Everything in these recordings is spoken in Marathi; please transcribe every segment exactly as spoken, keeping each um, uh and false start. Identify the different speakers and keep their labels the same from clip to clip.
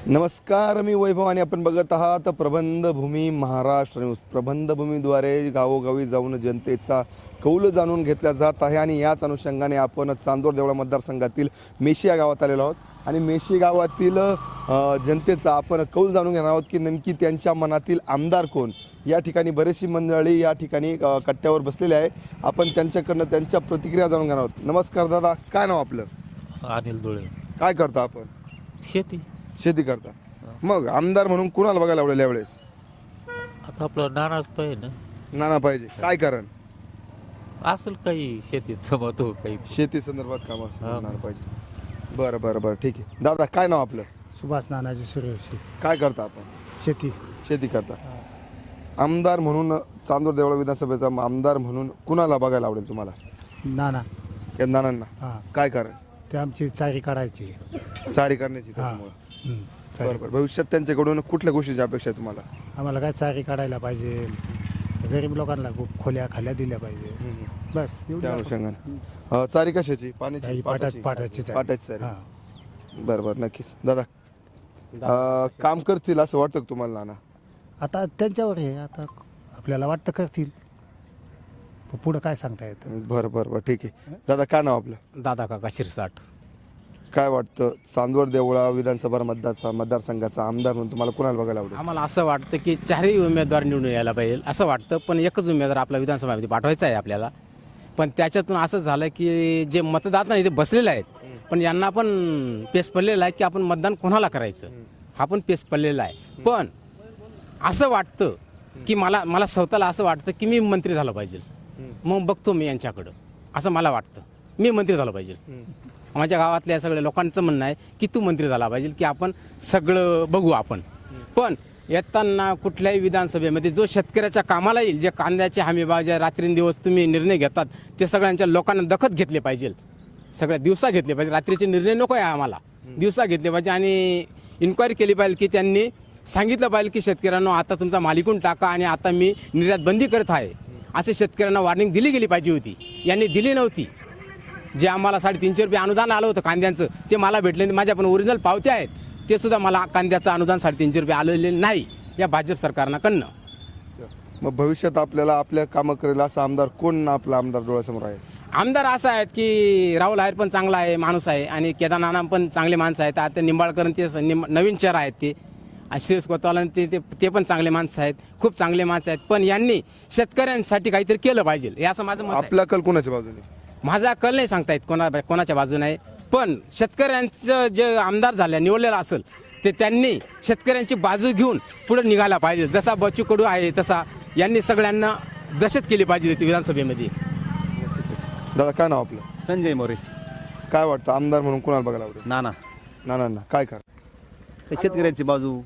Speaker 1: नमस्कार, मी वैभव आणि आपण बघत आहात प्रबंधभूमी महाराष्ट्र न्यूज. प्रबंधभूमीद्वारे गावोगावी जाऊन जनतेचा कौल जाणून घेतला जात आहे आणि याच अनुषंगाने आपण चांदोर देवळा मतदारसंघातील मेशी या गावात आलेलो आहोत आणि मेशी गावातील जनतेचा आपण कौल जाणून घेणार आहोत की नेमकी त्यांच्या मनातील आमदार कोण. या ठिकाणी बरीचशी मंडळी या ठिकाणी कट्ट्यावर बसलेले आहे. आपण त्यांच्याकडनं त्यांच्या प्रतिक्रिया जाणून घेणार आहोत. नमस्कार दादा, काय नाव आपलं?
Speaker 2: अनिल धुळे.
Speaker 1: काय करता आपण?
Speaker 2: शेती.
Speaker 1: शेती करता. मग आमदार म्हणून कुणाला बघायला आवडेल यावेळेस?
Speaker 2: आता आपलं नानाच पाहिजे ना.
Speaker 1: नाना पाहिजे. काय कारण?
Speaker 2: असेल काही शेतीचं महत्व काही.
Speaker 1: शेती संदर्भात काम
Speaker 2: हा.
Speaker 1: असं नाना पाहिजे. बरं बरं बरं ठीक आहे. दादा काय नाव आपलं?
Speaker 3: सुभाष नानाजी सूर्यवंशी.
Speaker 1: काय करता आपण?
Speaker 3: शेती.
Speaker 1: शेती करता. आमदार म्हणून चांदोर देवळा विधानसभेचा आमदार म्हणून कुणाला बघायला आवडेल तुम्हाला?
Speaker 3: नाना.
Speaker 1: या नानांना.
Speaker 3: हां,
Speaker 1: काय कारण?
Speaker 3: ते आमची चारी काढायची.
Speaker 1: चारी करण्याची
Speaker 3: हां.
Speaker 1: त्याच्यामुळं.
Speaker 3: हं, चारी.
Speaker 1: बरं बरं. भविष्यात त्यांच्याकडून कुठल्या गोष्टीची अपेक्षा आहे तुम्हाला?
Speaker 3: आम्हाला काय चारी काढायला पाहिजे, गरीब लोकांना खूप खोल्या खाल्या दिल्या पाहिजे, बस एवढं
Speaker 1: त्या
Speaker 3: आपण-
Speaker 1: अनुषंगाने अं, चारी कशाची? पाण्याची?
Speaker 3: काही पाटा- पाटाची चारी.
Speaker 1: पाटाची चारी.
Speaker 3: हां.
Speaker 1: बरं बरं नक्कीच. दादा अं, काम करतील असं वाटतं का तुम्हाला नाना?
Speaker 3: आता त्यांच्यावर आहे, आता आपल्याला वाटतं करतील, पण पुढं काय सांगता येतं.
Speaker 1: बरं बरं बरं ठीक आहे. दादा काय नाव आपलं?
Speaker 4: दादा काका शिरसाट.
Speaker 1: काय वाटतं चांदवड देवळा विधानसभा मतदार मतदारसंघाचा आमदार म्हणून तुम्हाला कुणाला बघायला आवडेल?
Speaker 4: आम्हाला असं वाटतं की चारही उमेदवार निवडून यायला पाहिजे असं वाटतं, पण एकच उमेदवार आपला विधानसभामध्ये पाठवायचा आहे आपल्याला. पण त्याच्यातून असं झालं की जे मतदाता इथे बसलेले आहेत, पण यांना पण पेस पडलेला आहे की आपण मतदान कोणाला करायचं, हा पण पेस पडलेला आहे. पण असं वाटतं की मला मला स्वतःला असं वाटतं की मी मंत्री झालं पाहिजे. मग बघतो मी यांच्याकडं, असं मला वाटतं मी मंत्री झालं पाहिजे. माझ्या गावातल्या सगळ्या लोकांचं म्हणणं आहे की तू मंत्री झाला पाहिजे, की आपण सगळं बघू आपण. पण येताना कुठल्याही विधानसभेमध्ये जो शेतकऱ्याच्या कामाला येईल, जे कांद्याचे हमीभाव जे रात्रींदिवस तुम्ही निर्णय घेतात, ते सगळ्यांच्या लोकांना दखत घेतले पाहिजे. सगळ्या दिवसा घेतले पाहिजे. रात्रीचे निर्णय नको आहे आम्हाला, दिवसा घेतले पाहिजे. आणि इन्क्वायरी केली पाहिजे की त्यांनी सांगितलं पाहिजे की शेतकऱ्यांना आता तुमचा मालिकून टाका आणि आता मी निर्यात बंदी करत आहे, असे शेतकऱ्यांना वॉर्निंग दिली गेली पाहिजे होती. यांनी दिली नव्हती. जे आम्हाला साडेतीनशे रुपये अनुदान आलं होतं कांद्यांचं, ते मला भेटले. माझ्या पण ओरिजिनल पावत्या आहेत, ते सुद्धा मला कांद्याचं अनुदान साडेतीनशे रुपये आलेले नाही या भाजप सरकारनं.
Speaker 1: मग भविष्यात आपल्याला आपल्या कामं करेल असा आमदार कोण आपला आमदार डोळ्यासमोर आहे?
Speaker 4: आमदार असं आहेत की राहुल आहेर पण चांगला आहे माणूस आहे, आणि केदार नाना पण चांगले माणसं आहेत. आता निंबाळकर ते निंब नवीन चेहरा आहेत ते, आणि श्रेयस कोतवाल ते ते पण चांगले माणसं आहेत, खूप चांगले माणसं आहेत. पण यांनी शेतकऱ्यांसाठी काहीतरी केलं पाहिजे, हे असं माझं मत आहे.
Speaker 1: आपला कल कोणाच्या बाजूने?
Speaker 4: माझा कल नाही सांगता येत कोणा कोणाच्या बाजूने आहे, पण शेतकऱ्यांचं जे आमदार झालं निवडलेलं असेल ते त्यांनी शेतकऱ्यांची बाजू घेऊन पुढे निघायला पाहिजे. जसा बच्चू कडू आहे तसा यांनी सगळ्यांना दहशत केली पाहिजे होती विधानसभेमध्ये.
Speaker 1: दादा काय नाव आपलं?
Speaker 5: संजय मोरे.
Speaker 1: काय वाटतं आमदार म्हणून कुणाला बघायला आवडेल?
Speaker 5: नाना.
Speaker 1: नानांना. काय कर?
Speaker 5: शेतकऱ्यांची बाजू,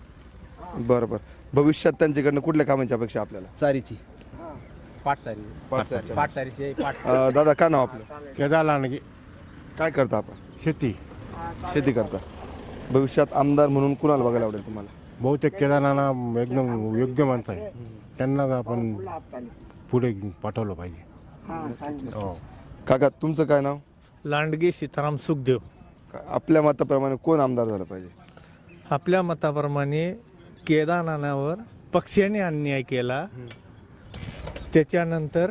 Speaker 1: बरं बरं. भविष्यात त्यांच्याकडनं कुठल्या कामांची अपेक्षा आपल्याला?
Speaker 5: चारीची.
Speaker 4: पाटसारी
Speaker 1: पाटसारी.
Speaker 4: पाटसारीची पाट
Speaker 1: अं, दादा काय नाव आपलं?
Speaker 3: केदार लांडगे.
Speaker 1: काय करता आपण?
Speaker 3: शेती.
Speaker 1: शेती करता. भविष्यात आमदार म्हणून कुणाला बघायला आवडेल तुम्हाला?
Speaker 3: बहुतेक केदार नाना एकदम योग्य माणसं आहे, त्यांना आपण पुढे पाठवलं पाहिजे. हो.
Speaker 1: काका तुमचं काय नाव?
Speaker 6: लांडगे सीताराम सुखदेव.
Speaker 1: का- आपल्या मताप्रमाणे कोण आमदार झालं पाहिजे?
Speaker 6: आपल्या मताप्रमाणे केदारनाथावर पक्षाने अन्याय केला, त्याच्यानंतर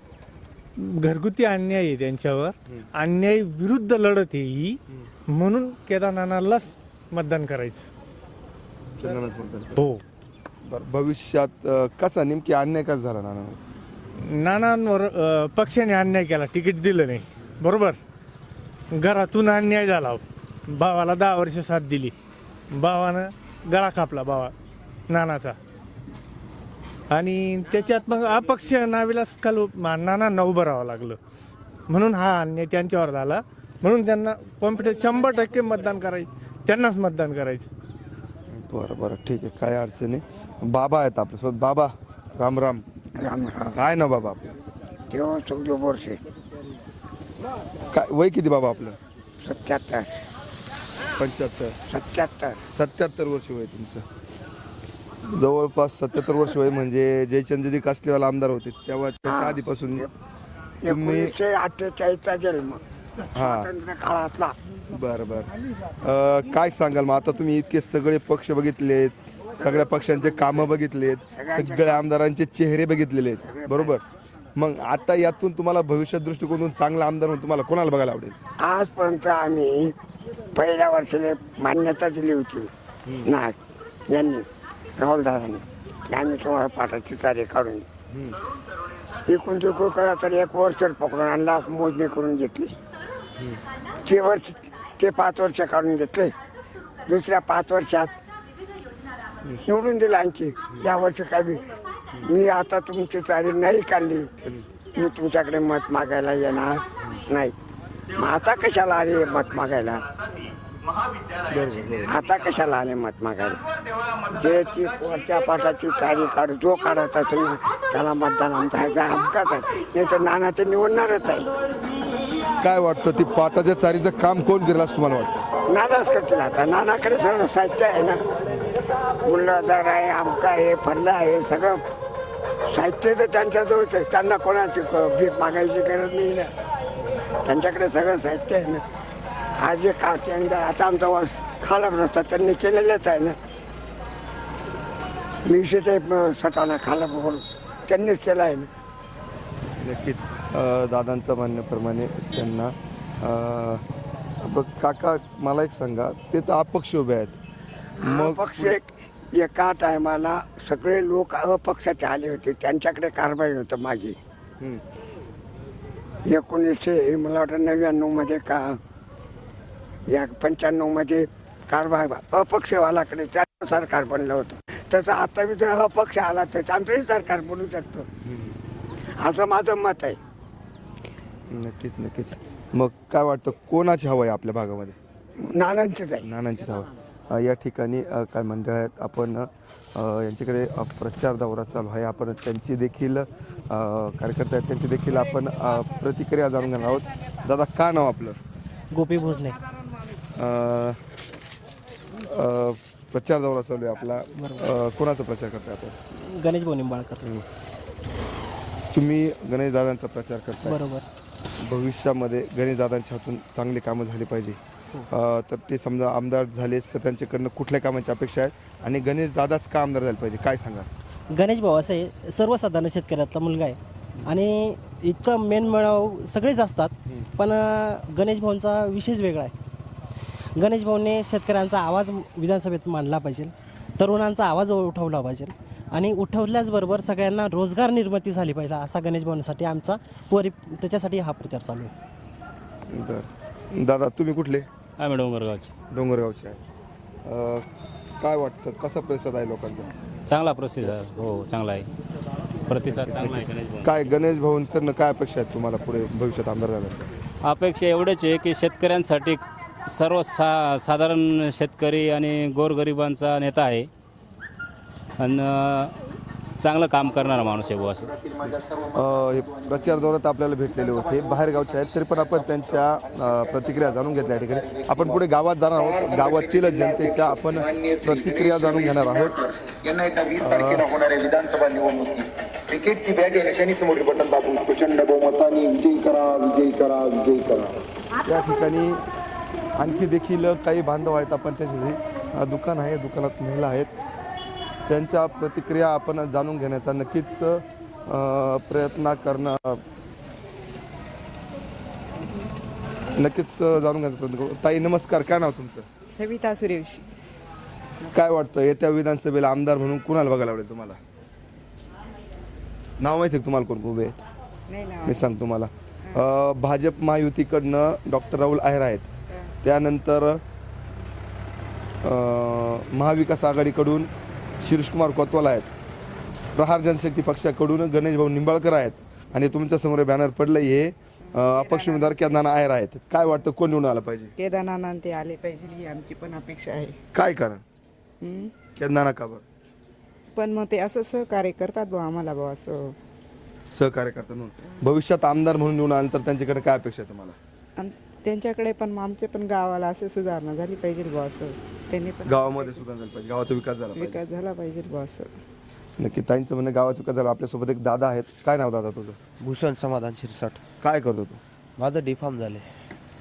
Speaker 6: घरगुती अन्याय आहे त्यांच्यावर, अन्याय विरुद्ध लढत आहे ही, म्हणून केदारनाथालाच मतदान करायचं.
Speaker 1: चंदनच म्हणतात.
Speaker 6: हो.
Speaker 1: बरं भविष्यात अं, कसा नेमकी अन्याय कसा झाला नाना?
Speaker 6: नानांवर अ, पक्षाने अन्याय केला, तिकीट दिलं नाही, बरोबर. घरातून अन्याय झाला, भावाला दहा वर्ष साथ दिली, भावानं गळा कापला भावा नानाचा, आणि त्याच्यात मग अपक्ष नावीलाच काल नानांना उभं राहावं लागलं, म्हणून हा अन्याय त्यांच्यावर झाला. म्हणून त्यांना कॉम्पिटन्स शंभर टक्के मतदान करायचं, त्यांनाच मतदान करायचं.
Speaker 1: बरं बरं ठीक आहे. काय अडचण नाही. बाबा आहेत आपल्यासोबत. बाबा राम राम.
Speaker 7: राम राम.
Speaker 1: काय ना बाबा आपलं?
Speaker 7: तेव्हा चौदा वर्षे.
Speaker 1: काय वय किती बाबा आपलं?
Speaker 7: सत्याहत्तर.
Speaker 1: पंच्याहत्तर.
Speaker 7: सत्याहत्तर.
Speaker 1: सत्याहत्तर वर्ष वय तुमचं. जवळपास सत्याहत्तर वर्ष वय म्हणजे जयचंद्रजी कासलेवाला आमदार होते तेव्हा त्याच्या आधीपासून तुम्ही
Speaker 7: एकोणीसशे अठ्ठेचाळीसचा जन्म. स्वातंत्र्य काळातला.
Speaker 1: बरं बरं अ, काय सांगाल मग आता तुम्ही इतके सगळे पक्ष बघितलेत, सगळ्या पक्षांचे कामं बघितलेत, सगळ्या आमदारांचे चेहरे बघितलेले आहेत, बरोबर? मग आता यातून तुम्हाला भविष्य दृष्टिकोनातून चांगला आमदार म्हणून तुम्हाला कोणाला बघायला आवडेल?
Speaker 7: आजपर्यंत आम्ही पहिल्या वर्षाला मान्यता दिली होती नाग यांनी, राहुल दादांनी, की आम्ही तुम्हाला पाठाची चारी काढून एकूण तिकून करा तर एक वर्ष पकडून आणला, मोजणी करून घेतली. ते वर्ष ते पाच वर्ष काढून घेतले. दुसऱ्या पाच वर्षात निवडून दिलं आणखी. या वर्षी काय बी मी आता तुमची चारी नाही काढली तर मी तुमच्याकडे मत मागायला येणार नाही. मग आता कशाला आले मत मागायला? आता कशाला आले मत मागायला? जे ती वरच्या पाठाची चारी काढ जो काढत असेल ना त्याला मतदान आमचा ह्याचा हमकाच आहे, नाही तर नाना ते निवडणारच आहे.
Speaker 1: काय वाटतं ती पाटाच्या चारीचं काम कोण करेल असं तुम्हाला वाटतं?
Speaker 7: नानाच करतील. आता नानाकडे सगळं साहित्य आहे ना, मुल्लादार आहे, आमका आहे, फल्ला आहे, सगळं साहित्य तर त्यांच्याजवळच आहे. त्यांना कोणाची भीक मागायची गरज नाही ना, त्यांच्याकडे सगळं साहित्य आहे ना. हा जे काटे आता आमचा वास खाला रस्ता त्यांनी केलेलाच आहे ना. मीशे ते सटाणा खाला म्हणून त्यांनीच केला आहे ना.
Speaker 1: नक्कीच अ, दादांचं म्हणण्याप्रमाणे त्यांना अ, बघ काका मला एक सांगा, ते तर अपक्ष उभे आहेत,
Speaker 7: मग पक्ष एक एका टायमाला सगळे लोक अपक्षाचे आले होते, त्यांच्याकडे कारवाई होतं मागे.
Speaker 1: हं.
Speaker 7: एकोणीसशे मला वाटतं नव्याण्णव मध्ये का या पंच्याण्णव मध्ये कारभार अपक्षवालाकडे त्याचं सरकार बनलं होतं. तसं आता बी जर अपक्ष आला तर आमचंही सरकार बनू शकतं असं माझं मत आहे.
Speaker 1: नक्कीच नक्कीच. मग काय वाटतं कोणाची हवं आहे आपल्या भागामध्ये?
Speaker 7: नानांचंच आहे.
Speaker 1: नानांचीच हवं. अ, या ठिकाणी अ, काय मंडळ आहेत, आपण अ, यांच्याकडे अ, प्रचार दौरा चालू आहे. आपण त्यांची देखील अ, कार्यकर्ते आहेत, त्यांची देखील आपण अ, प्रतिक्रिया जाणून घेणार आहोत. दादा काय नाव आपलं?
Speaker 8: गोपी भोसले.
Speaker 1: अ, अ, प्रचार दौरा चालू आहे आपला. अ, कोणाचा प्रचार करताय आपण?
Speaker 8: गणेश भाऊ निंबाळकर.
Speaker 1: तुम्ही गणेश दादांचा प्रचार करताय.
Speaker 8: बरोबर.
Speaker 1: भविष्यामध्ये गणेश दादांच्या हातून चांगली कामं झाली पाहिजे, अ, तर ते समजा आमदार झालेस तर त्यांच्याकडनं कुठल्या कामाची अपेक्षा आहे आणि गणेश दादाच का आमदार झाले पाहिजे, काय सांगा?
Speaker 8: गणेश भाऊ असं आहे, सर्वसाधारण शेतकऱ्यातला मुलगा आहे आणि इतकं मेन मिळाव सगळेच असतात, पण अं, गणेश भाऊंचा विशेष वेगळा आहे. गणेश भाऊने शेतकऱ्यांचा आवाज विधानसभेत मांडला पाहिजे, तरुणांचा आवाज उठवला पाहिजे आणि उठवल्याचबरोबर सगळ्यांना रोजगार निर्मिती झाली पाहिजे, असा गणेश भाऊंसाठी आमचा परि त्याच्यासाठी हा प्रचार चालू आहे.
Speaker 1: बरं दादा तुम्ही कुठले?
Speaker 2: आम्ही डोंगरगावचे.
Speaker 1: डोंगरगावचे आहे. अ, काय वाटतं कसा प्रतिसाद आहे लोकांचा?
Speaker 2: चांगला प्रतिसाद, हो चांगला आहे, प्रतिसाद चांगला आहे गणेश भाऊ.
Speaker 1: काय गणेश भाऊंकडनं काय अपेक्षा आहेत तुम्हाला पुढे भविष्यात आमदार झाल्यानंतर?
Speaker 2: अपेक्षा एवढेच आहे की शेतकऱ्यांसाठी सर्व सा साधारण शेतकरी आणि गोरगरिबांचा नेता आहे आणि चांगलं काम करणारा माणूस आहे बुवा असं.
Speaker 1: अ, हे प्रचार दौऱ्यात आपल्याला भेटलेले होते, बाहेर गावचे आहेत, तरी पण आपण त्यांच्या अ, प्रतिक्रिया जाणून घेतल्या या ठिकाणी. आपण पुढे गावात जाणार आहोत, गावातील जनतेच्या आपण प्रतिक्रिया जाणून घेणार आहोत.
Speaker 9: यांना एका वीस तारखेला होणाऱ्या विधानसभा निवडणुकीत क्रिकेटची बॅट येण्याच्या समोर बटन दाबून प्रचंड बहुमताने विजयी करा, विजयी करा, विजयी करा.
Speaker 1: या ठिकाणी आणखी देखील काही बांधव आहेत, आपण त्याचे अ, दुकान आहे, दुकानात महिला आहेत, त्यांच्या प्रतिक्रिया आपण जाणून घेण्याचा नक्कीच अ, प्रयत्न करणं नक्कीच जाणून घेण्याचा प्रयत्न करू. ताई नमस्कार, काय नाव तुमचं?
Speaker 10: सविता सुरेश.
Speaker 1: काय वाटतं येत्या विधानसभेला आमदार म्हणून कुणाला बघायला आवडेल तुम्हाला? नाव माहिती आहे तुम्हाला कोण उभे आहेत?
Speaker 10: नाही ना.
Speaker 1: मी सांग तुम्हाला. अ, भाजप महायुतीकडनं डॉक्टर राहुल आहेर आहेत, त्यानंतर अ, महाविकास आघाडीकडून शिरीषकुमार कोतवाल आहेत, प्रहार जनशक्ती पक्षाकडून गणेश भाऊ निंबाळकर आहेत आणि तुमच्या समोर बॅनर पडलं हे अ, अपक्ष उमेदवार केदारनाथ आहेर आहेत. काय वाटतं कोण निवडून आलं पाहिजे?
Speaker 10: केदारनाथ ते आले पाहिजे ही आमची पण अपेक्षा आहे.
Speaker 1: काय कारण?
Speaker 10: हम्म.
Speaker 1: केदारनाथ का बरं?
Speaker 10: पण मग ते असं सहकार्य करतात बा आम्हाला बा असं.
Speaker 1: सहकार्य करतात म्हणून. भविष्यात आमदार म्हणून निवडून आल्यानंतर त्यांच्याकडे काय अपेक्षा आहे तुम्हाला?
Speaker 10: आणि त्यांच्याकडे पण मग आमच्या पण गावाला असं सुधारणा झाली पाहिजे बा असं. त्यांनी पण
Speaker 1: गावामध्ये सुद्धा झालं पाहिजे, गावाचा विकास झाला पाहिजे.
Speaker 10: विकास झाला पाहिजे बा असं.
Speaker 1: नक्की ताईंचं म्हणणं गावाचा विकास झाला. आपल्यासोबत एक दादा आहेत, काय नाव दादा तुझं?
Speaker 11: भूषण समाधान शिरसाट.
Speaker 1: काय करतो तू?
Speaker 11: माझं डिफॉर्म झाले.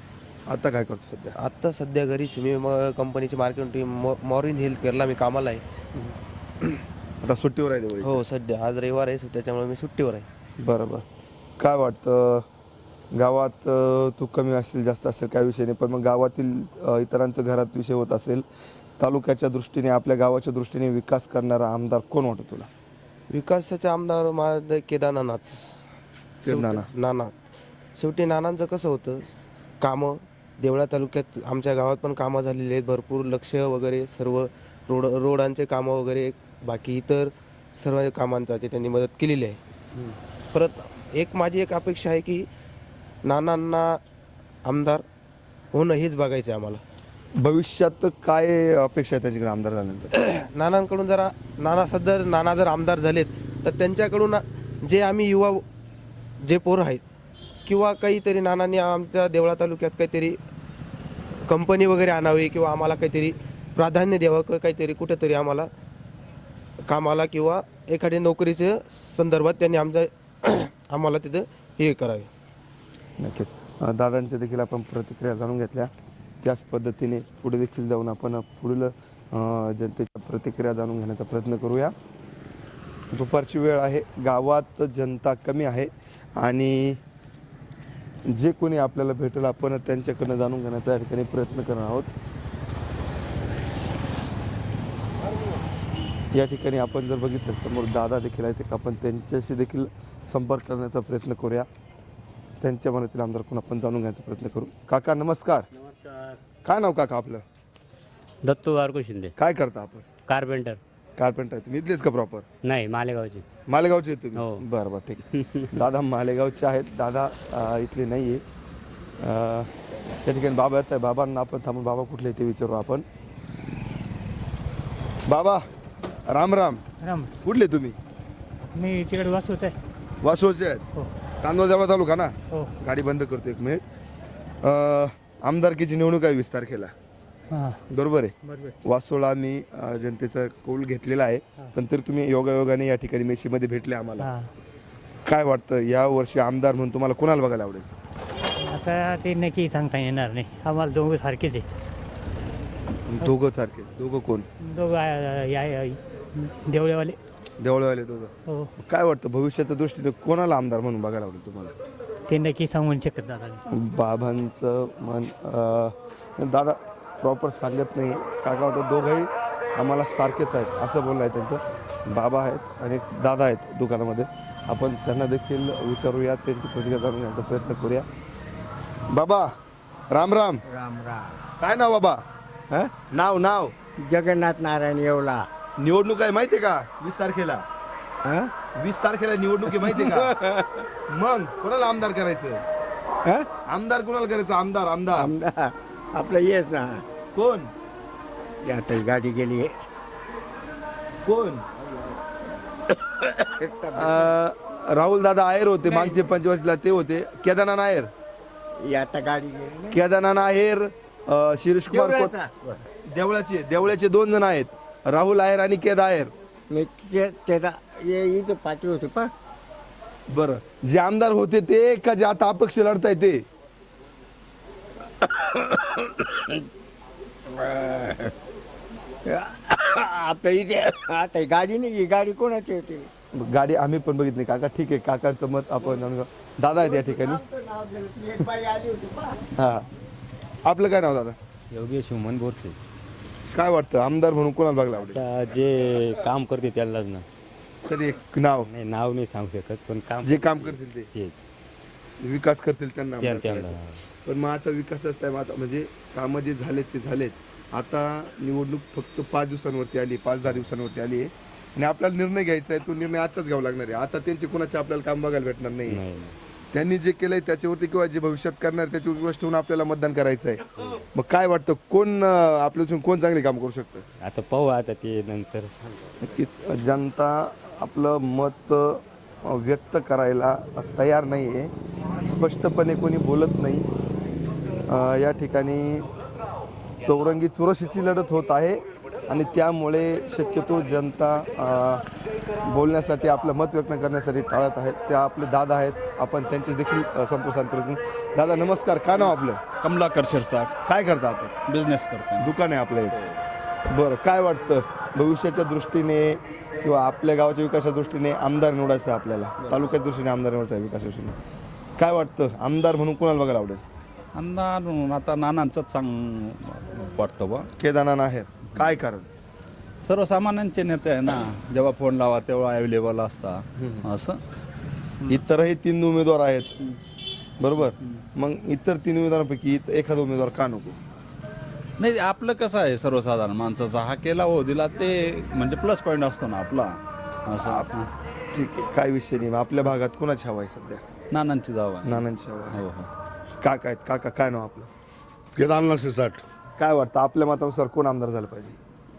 Speaker 1: आता काय करतो सध्या?
Speaker 11: आत्ता सध्या घरीच मी म- कंपनीची मार्केटिंग मॉ मॉरिन हेल्थ केअरला मी कामाला आहे.
Speaker 1: आता सुट्टीवर आहे दिवाळी?
Speaker 11: हो सध्या आज रविवार आहे त्याच्यामुळे मी सुट्टीवर आहे.
Speaker 1: बरं बरं. काय वाटतं गावात अ, तू कमी असेल जास्त असेल काय विषय नाही, पण मग गावातील अ, इतरांचं घरात विषय होत असेल, तालुक्याच्या दृष्टीने आपल्या गावाच्या दृष्टीने विकास करणारा आमदार कोण वाटतं तुला?
Speaker 11: विकासाचे आमदार माझं केदारनाथ
Speaker 1: नाना.
Speaker 11: नाना. शेवटी नानांचं कसं होतं कामं देवळा तालुक्यात आमच्या गावात पण कामं झालेली आहेत भरपूर. लक्ष वगैरे सर्व रोड रोडांचे कामं वगैरे बाकी इतर सर्व कामांचा त्यांनी मदत केलेली आहे. परत एक माझी एक अपेक्षा आहे की नानांना आमदार होणं हेच बघायचं आहे आम्हाला.
Speaker 1: भविष्यात काय अपेक्षा आहे त्यांच्याकडे आमदार झाल्यानंतर?
Speaker 11: नानांकडून जरा नाना सध्या नाना जर आमदार झालेत तर त्यांच्याकडून जे आम्ही युवा जे पोरं आहेत किंवा काहीतरी नानांनी आमच्या देवळा तालुक्यात काहीतरी कंपनी वगैरे आणावी किंवा आम्हाला काहीतरी प्राधान्य द्यावं क- काहीतरी कुठेतरी आम्हाला कामाला किंवा एखाद्या नोकरीच्या संदर्भात त्यांनी आमच्या आम्हाला तिथं हे करावे.
Speaker 1: नक्कीच. अ, दादांच्या देखील आपण प्रतिक्रिया जाणून घेतल्या, त्याच पद्धतीने पुढे देखील जाऊन आपण पुढील अ, जनतेच्या प्रतिक्रिया जाणून घेण्याचा प्रयत्न करूया. दुपारची वेळ आहे, गावात जनता कमी आहे आणि जे कोणी आपल्याला भेटेल आपण त्यांच्याकडनं जाणून घेण्याचा या ठिकाणी प्रयत्न करणार आहोत. या ठिकाणी आपण जर बघितलं समोर दादा देखील आहेत, आपण त्यांच्याशी देखील संपर्क करण्याचा प्रयत्न करूया. त्यांच्या मनातील आमदार कोण आपण जाणून घ्यायचा प्रयत्न करू. काका नमस्कार.
Speaker 2: नमस्कार.
Speaker 1: काय नाव काका आपलं?
Speaker 2: दत्तू बारको शिंदे,
Speaker 1: काय करता आपण?
Speaker 2: कार्पेंटर.
Speaker 1: कार्पेंटर आहे तुम्ही? इथलेच का प्रॉपर?
Speaker 2: नाही, मालेगावची.
Speaker 1: मालेगावचे आहेत तुम्ही?
Speaker 2: हो.
Speaker 1: बरं बरं ठीक. दादा मालेगावचे आहेत. दादा अ, इथले नाही आहे. त्या ठिकाणी बाबा येत आहे, बाबांना आपण थांबून बाबा कुठले ते विचारू आपण. बाबा राम राम.
Speaker 6: राम.
Speaker 1: कुठले तुम्ही?
Speaker 6: मी तिकडे वाचवत आहे.
Speaker 1: वासोचे आहेत?
Speaker 6: हो.
Speaker 1: चांदवड देवळा तालुका ना?
Speaker 6: हो.
Speaker 1: गाडी बंद करतो एक मिनिट. अ, आमदारकीची निवडणूक आहे वीस तारखेला,
Speaker 6: हां
Speaker 1: बरोबर आहे?
Speaker 6: बरोबर.
Speaker 1: वासोळा मी अ, जनतेचा कौल घेतलेला आहे, पण तरी तुम्ही योगायोगाने या ठिकाणी मेशीमध्ये भेटले आम्हाला.
Speaker 6: हां
Speaker 1: काय वाटतं या वर्षी आमदार म्हणून तुम्हाला कोणाला बघायला आवडेल?
Speaker 6: आता ते नक्की सांगता येणार नाही, आम्हाला दोघं सारखेच आहे.
Speaker 1: दोघं सारखे? दोघं कोण?
Speaker 6: दोघं आ- या या- देवळेवाले.
Speaker 1: देवळवाले दोघं.
Speaker 6: हो
Speaker 1: काय वाटतं भविष्याच्या दृष्टीने कोणाला आमदार म्हणून बघायला आवडेल तुम्हाला?
Speaker 6: ते नक्की सांगून शकत दादा.
Speaker 1: बाबांचं मन अं, दादा प्रॉपर सांगत नाही. काका होतं दोघंही आम्हाला सारखेच आहेत असं बोलणं आहे त्यांचं. बाबा आहेत आणि एक दादा आहेत दुकानामध्ये, आपण त्यांना देखील विचारूया, त्यांची प्रतिक्रिया जाणून घ्यायचा प्रयत्न करूया. बाबा राम राम.
Speaker 7: राम राम.
Speaker 1: काय नाव बाबा? नाव नाव?
Speaker 7: जगन्नाथ नारायण येवला.
Speaker 1: निवडणूक आहे माहितीये का वीस तारखेला? वीस तारखेला निवडणूक आहे माहितीये का? मग कोणाला आमदार करायचं? आमदार कोणाला करायचं? आमदार आमदार
Speaker 7: आमदार आपलं येस ना.
Speaker 1: कोण?
Speaker 7: आता गाडी गेली.
Speaker 1: कोण? राहुल दादा आयर होते मागचे पंचवर्षला, ते होते. केदारनाथ आयर.
Speaker 7: आता गाडी गेली.
Speaker 1: केदारनाथ आयर, अं, शिरीष कुमार कोत- देवळाचे देवळाचे दोन जण आहेत, राहुल आयर आणि केदा आयर.
Speaker 7: मी ते- त्याचा ये इथं पाठी होते पा.
Speaker 1: बरं, जे आमदार होते ते का जे आता अपक्ष लढताय ते?
Speaker 7: आपल्या इथे आता गाडी नाही, गाडी कोणाची होती?
Speaker 1: गाडी आम्ही पण बघितली काका. ठीक आहे, काकांचं मत आपण जाणून घेऊ. दादा आहेत या ठिकाणी.
Speaker 7: एक बाई आली होती पा.
Speaker 1: हा, आपलं काय नाव दादा?
Speaker 2: योगेश हुमन बोरसे.
Speaker 1: काय वाटतं आमदार म्हणून कोणाला बघायला आवडेल?
Speaker 2: आता जे काम करते त्यालाच ना.
Speaker 1: तरी एक नाव,
Speaker 2: नाही, नाव नाही सांगू शकत, पण काम
Speaker 1: जे काम करतील ते,
Speaker 2: तेच
Speaker 1: विकास करतील त्यांना आमदार
Speaker 2: त्या- त्यांना.
Speaker 1: करायचं. पण मग आता विकासाच टाइम आता म्हणजे कामं जे झालेत ते झालेत. आता निवडणूक फक्त पाच दिवसांवरती आली, पाच दहा दिवसांवरती आली आहे आणि आपल्याला निर्णय घ्यायचा आहे. तो निर्णय आताच घ्यावा लागणार आहे. आता त्यांचे कोणाचे आपल्याला काम बघायला भेटणार नाही.
Speaker 2: नाही.
Speaker 1: त्यांनी जे केलंय त्याच्यावरती किंवा जे भविष्यात करणार त्याच्यावर विश्वास ठेवून आपल्याला मतदान करायचं आहे. मग काय वाटतं कोण अं, आपल्यातून कोण चांगले काम करू शकतं?
Speaker 2: आता पाहू, आता ते नंतर सांगू.
Speaker 1: नक्कीच जनता आपलं मत अ, व्यक्त करायला तयार नाही आहे. स्पष्टपणे कोणी बोलत नाही. अ, या ठिकाणी चौरंगी चुरशीची लढत होत आहे. आणि त्यामुळे शक्यतो जनता अ, बोलण्यासाठी आपलं मत व्यक्त करण्यासाठी टाळत आहेत. त्या आपले दादा आहेत, आपण त्यांचे देखील अ, संप्रोसारण करू. दादा नमस्कार, काय नाव आपलं?
Speaker 5: कमलाकर शिरसाट,
Speaker 1: काय करता आपण?
Speaker 5: बिझनेस करतो.
Speaker 1: दुकान आहे आपलं एक. बरं, काय वाटतं भविष्याच्या दृष्टीने किंवा आपल्या गावाच्या विकासाच्या दृष्टीने आमदार निवडायचं आहे आपल्याला, तालुक्याच्या दृष्टीने आमदार निवडायचं आहे विकासाच्या दृष्टीने, काय वाटतं आमदार म्हणून कोणाला बघायला आवडेल?
Speaker 5: अंदाज आता नानांचं चांग वाटतं बा.
Speaker 1: केदारनाथ आहे. काय कारण?
Speaker 5: सर्वसामान्यांचे नेते आहे ना, जेव्हा फोन लावा तेव्हा अवेलेबल असता असं.
Speaker 1: इतरही तीन उमेदवार आहेत बरोबर, मग इतर तीन उमेदवारांपैकी इत- एखादा उमेदवार का नको?
Speaker 5: नाही, आपलं कसं आहे सर्वसाधारण माणसाचा हा केला हो दिला ते म्हणजे प्लस पॉईंट असतो ना आपला असं. हां.
Speaker 1: ठीक आहे, काय विषय नाही. मग आपल्या भागात कोणाची हवा आहे सध्या?
Speaker 5: नानांची जाव आहे.
Speaker 1: नानांची हवा आहे.
Speaker 5: हो हो.
Speaker 1: काका आहेत. काका काय नाव आपलं?
Speaker 3: केदारनाथ शिरसाट,
Speaker 1: काय वाटतं आपल्या मतानुसार कोण आमदार झालं पाहिजे?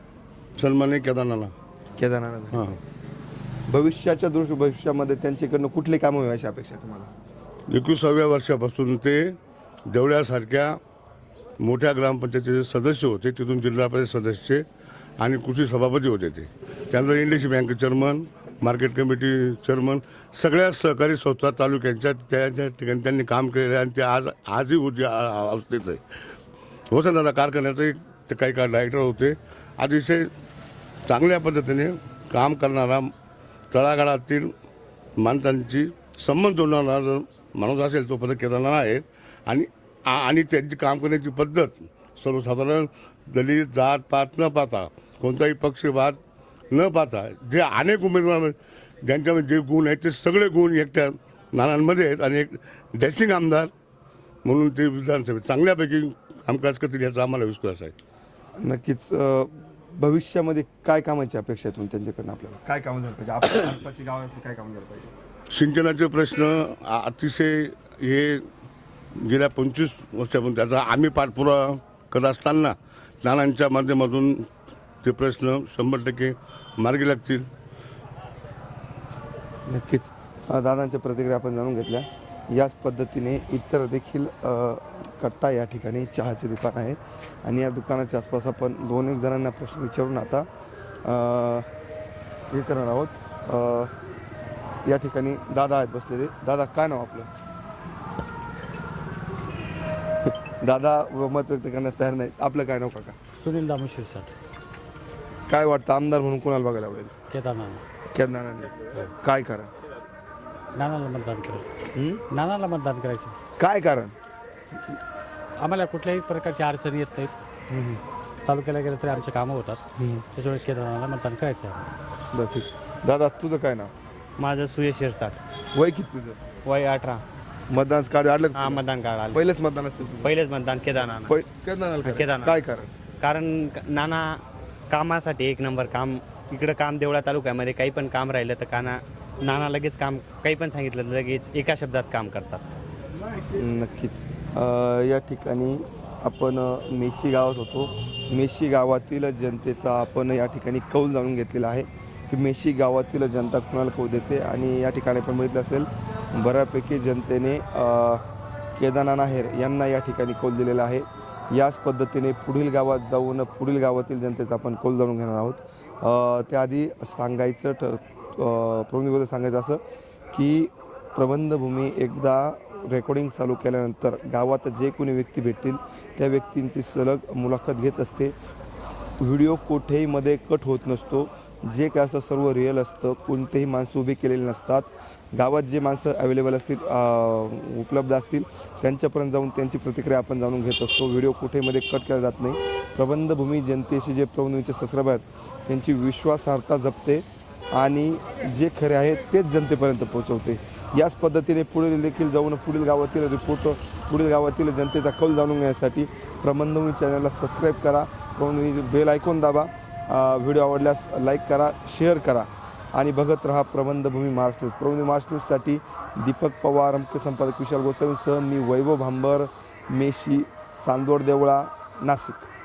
Speaker 3: सन्मान्य केदारनाथ.
Speaker 1: केदारनाथ.
Speaker 3: हां,
Speaker 1: भविष्याच्या दृष्टी भविष्यामध्ये त्यांच्याकडनं कुठली कामं व्हायची अपेक्षा आहे तुम्हाला?
Speaker 3: एकविसाव्या वर्षापासून ते देवळ्यासारख्या मोठ्या ग्रामपंचायतीचे सदस्य होते, तिथून जिल्हा परिषद सदस्य आणि कृषी सभापती होते. ते त्यानंतर industry bank chairman, market committee chairman, सगळ्या सहकारी संस्था तालुक्यांच्या त्या ठिकाणी त्यांनी काम केले आणि ते आज आजही उद्या अवस्थेत आहे. वसंतदादा कारखान्याचे ते काही काळ डायरेक्टर होते. अतिशय चांगल्या पद्धतीने काम करणारा, तळागाळातील माणसांची संबंध जोडणारा जर माणूस असेल तो पद केदारनाथ आहे. आणि आणि त्यांची काम करण्याची पद्धत सर्वसाधारण दलित जात पात न पाहता, कोणताही पक्षपात न पाहता, जे अनेक उमेदवार ज्यांच्यामध्ये जे गुण आहेत ते सगळे गुण एकट्या नानांमध्ये आहेत. आणि एक डॅशिंग आमदार म्हणून ते विधानसभेत चांगल्यापैकी कामकाज करतील याचा आम्हाला विश्वास आहे.
Speaker 1: नक्कीच. अं, भविष्यामध्ये काय कामाची अपेक्षा आहे तुम्ही त्यांच्याकडनं? आपल्याला काय कामं झालं पाहिजे? आपल्या आसपासची गावातली काय कामं झालं पाहिजे?
Speaker 3: सिंचनाचे प्रश्न आ- अतिशय हे गेल्या पंचवीस वर्षापासून त्याचा आम्ही पाठपुरावा करत असताना नानांच्या माध्यमातून ते प्रश्न शंभर टक्के मार्गी लागतील.
Speaker 1: नक्कीच. अं, दादांच्या प्रतिक्रिया आपण जाणून घेतल्या. याच पद्धतीने इतर देखील अ, कट्टा या ठिकाणी चहाचे दुकान आहे आणि या दुकानाच्या आसपास आपण दोन एक जणांना प्रश्न विचारून आता अ, हे करणार आहोत. अ, या ठिकाणी दादा आहेत बसलेले. दादा काय नाव आपलं? दादा मत व्यक्त करण्यास तयार नाही. आपलं काय नाव काका?
Speaker 2: सुनील दामू शिरसाट,
Speaker 1: काय वाटतं आमदार म्हणून कोणाला बघायला आवडेल?
Speaker 2: केदारनाथ.
Speaker 1: केदारनाथ. काय कारण?
Speaker 2: नानाला मतदान करायचं.
Speaker 1: हं?
Speaker 2: नानाला मतदान करायचं.
Speaker 1: काय कारण?
Speaker 2: आम्हाला कुठल्याही प्रकारची अडचणी येत नाहीत. तालुक्याला गेलं तरी आमचे कामं होतात. त्याच्यामुळे केदारनाथला मतदान करायचं आहे.
Speaker 1: बरं, ठीक. दादा तुझं काय नाव?
Speaker 8: माझं सुयश शिरसाट,
Speaker 1: वय किती तुझं?
Speaker 8: वय अठरा.
Speaker 1: मतदान कार्ड आलं का?
Speaker 8: हा, मतदान कार्ड आलं.
Speaker 1: पहिलेच मतदान असेल तुझं?
Speaker 8: पहिलेच मतदान केदारनाथ.
Speaker 1: पहि- केदारनाथ करायचं.
Speaker 8: केदारनाथ.
Speaker 1: काय कारण?
Speaker 8: कारण क- नाना कामासाठी एक नंबर काम. इकडं काम देवळा तालुक्यामध्ये काही पण काम राहिलं तर काना नाना लगेच काम, काही पण सांगितलं तर लगेच एका शब्दात काम करतात.
Speaker 1: नक्कीच. अ, या ठिकाणी आपण अ, मेशी गावात होतो. मेशी गावातील जनतेचा आपण या ठिकाणी कौल जाणून घेतलेला आहे की मेशी गावातील जनता कुणाला कौल देते. आणि या ठिकाणी आपण बघितलं असेल बऱ्यापैकी जनतेने अ, केदारनाथ आहेर यांना या ठिकाणी कौल दिलेला आहे. याच पद्धतीने पुढील गावात जाऊन पुढील गावातील जनतेचा आपण कौल जाणून घेणार आहोत. अ, त्याआधी सांगायचं ठ प्रबंधबद्दल सांगायचं असं की प्रबंधभूमी एकदा रेकॉर्डिंग चालू केल्यानंतर गावात जे कोणी व्यक्ती भेटतील त्या व्यक्तींची सलग मुलाखत घेत असते. व्हिडिओ कुठेहीमध्ये कट होत नसतो. जे काय असं सर्व रिअल असतं. कोणतेही माणसं उभी केलेली नसतात. गावात जे माणसं अवेलेबल असतील, उपलब्ध असतील, त्यांच्यापर्यंत जाऊन त्यांची प्रतिक्रिया आपण जाणून घेत असतो. व्हिडिओ कुठेमध्ये कट केला जात नाही. प्रबंधभूमी जनतेशी जे प्रबंधभूमीचे सबस्क्रायबर आहेत त्यांची विश्वासार्हता जपते आणि जे खरे आहेत तेच जनतेपर्यंत पोहोचवते. याच पद्धतीने पुढे देखील जाऊन पुढील गावातील रिपोर्ट, पुढील गावातील जनतेचा कौल जाणून घेण्यासाठी प्रबंधभूमी चॅनलला सबस्क्राईब करा. प्रबंधभूमी बेल आयकॉन दाबा. व्हिडिओ आवडल्यास लाईक करा, शेअर करा आणि बघत रहा प्रबंधभूमी महाराष्ट्र न्यूज. प्रबंधभूमी महाराष्ट्र न्यूजसाठी दीपक पवार, मुख्य संपादक विशाल गोसावींसह मी वैभव भांबर, मेशी, चांदोड देवळा, नाशिक.